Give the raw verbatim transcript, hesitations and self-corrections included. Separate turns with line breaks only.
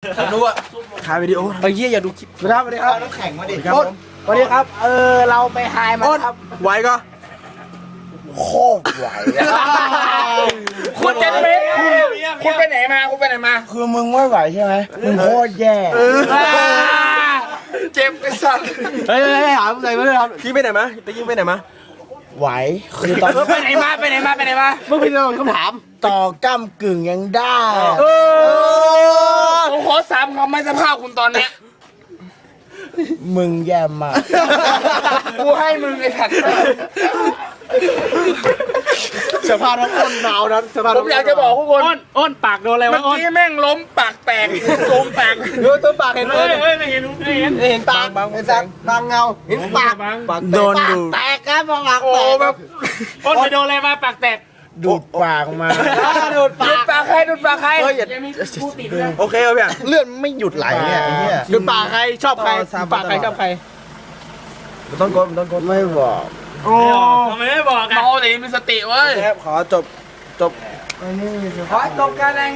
ดูอ่ะถ่ายวิดีโอไอ้เหี้ยอย่าดูคลิป
สวัสดีครับสวัสดีครับ
น้ำแข็งมาดิ
ครับผมสวัสดีครับ เออเราไปไฮมาครับ
ไหวก็
โคตรไหว
คุณจะไปคุณไปไหนมาคุณไปไหนมา
คือมึงไม่ไหวใช่ไหมมึงโคตรแย่
เจ็บไอ้สัส
เฮ้ยเฮ้ยถามใส่มาเลยครับ
พี่ไปไหนมาตะกี้ไปไหนมา
ไหวคือตอน
ไปไหนมาไปไหนมาไปไหนมา
มึงเป็นคำถามต่อก้ำกึ่งยังได้
ผมขอสามคำไม่สภาพคุณตอนเนี้ย
มึงแย่มาก
กูให้มึงไอ้สัตว์
สภาพน้ำอ้นหนาวนั้นสภาพ
ผมอยากจะบอกทุกคน
อ้นอ้นปากโดนอะไร
เมื่
วะ
อ
อ้น
กี้แม่งล้มปากแตกโซมแตก
ดูตัวปากเห็นไหม
เฮ้ยเฮ้ยไม่เห็นไม่เห็น
เห็นปากเห็นสักบางเงาเห็นปาก
บัง
ปาก
โดน
แตก
ดูแตกครับปาก
โอ้
แตก
แบบ
อ้นไปโดนอะไรมาปากแตก
ดูดปากมาดูด
ดูดปากใครดูดปากใคร
เฮ้ยอย่าโอเคเอาเพี่ย
เลือดไม่หยุดไหลเนี่ยไอ้เนี่ยดูดปากใครชอบใครปากใครชอบใคร
มันต้องกดมันต้องกด
ไม่บอก
โอ้
ทำไมไม่บอกอ่ะ
เมาแต่มีสติเว้ย
ครับขอจบจบ
อันนี้มีส
ขอจบการราย